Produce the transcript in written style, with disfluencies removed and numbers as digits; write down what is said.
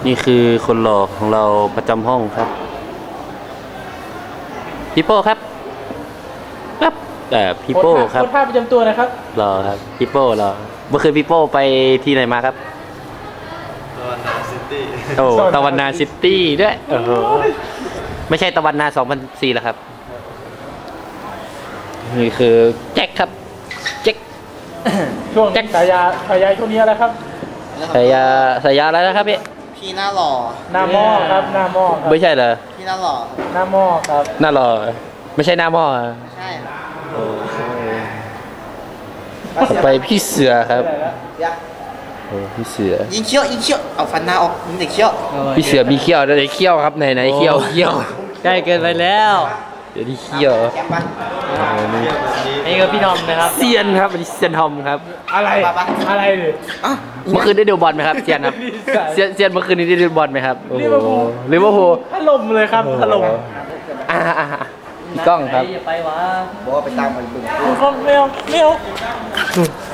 นี่คือคนหล่อของเราประจำห้องครับพี่โป้ครับพี่โป้ครับคนท่าประจำตัวนะครับรอครับพี่โป้รอเมื่อคืนพี่โป้ไปที่ไหนมาครับตะวันนาซิตี้โอ้ตะวันนาซิตี้ด้วยโอ้โหไม่ใช่ตะวันนา2004แล้วครับนี่คือแจ็คครับแจ็คช่วงฉายาช่วงนี้อะไรครับฉายาอะไรนะครับพี่หน้าหล่อหน้าหม้อครับหน้าหม้อไม่ใช่เหรอพี่หน้าหล่อหน้าหม้อครับหน้าหล่อไม่ใช่หน้าหม้อใช่ต่อไปพี่เสือครับโอ้พี่เสือยิงเขี้ยวเอาฟันหน้าออกยิงแต่เขี้ยวพี่เสือมีเขี้ยวไหนเขี้ยวครับไหนเขี้ยวใกล้เกินไปแล้วเดี๋ยวนี้เขี้ยวนี่ก็พี่ทอมนะครับเซียนครับอันนี้เซียนทอมครับอะไรเลยเมื่อคืนได้ดูบอลไหมครับเซียนครับเซียนเมื่อคืนนี้ได้ดูบอลไหมครับลิเวอร์พูลถล่มเลยครับถล่มพี่ก้องครับอย่าไปวะบอกว่าไปตามมันบึ้งไม่เอา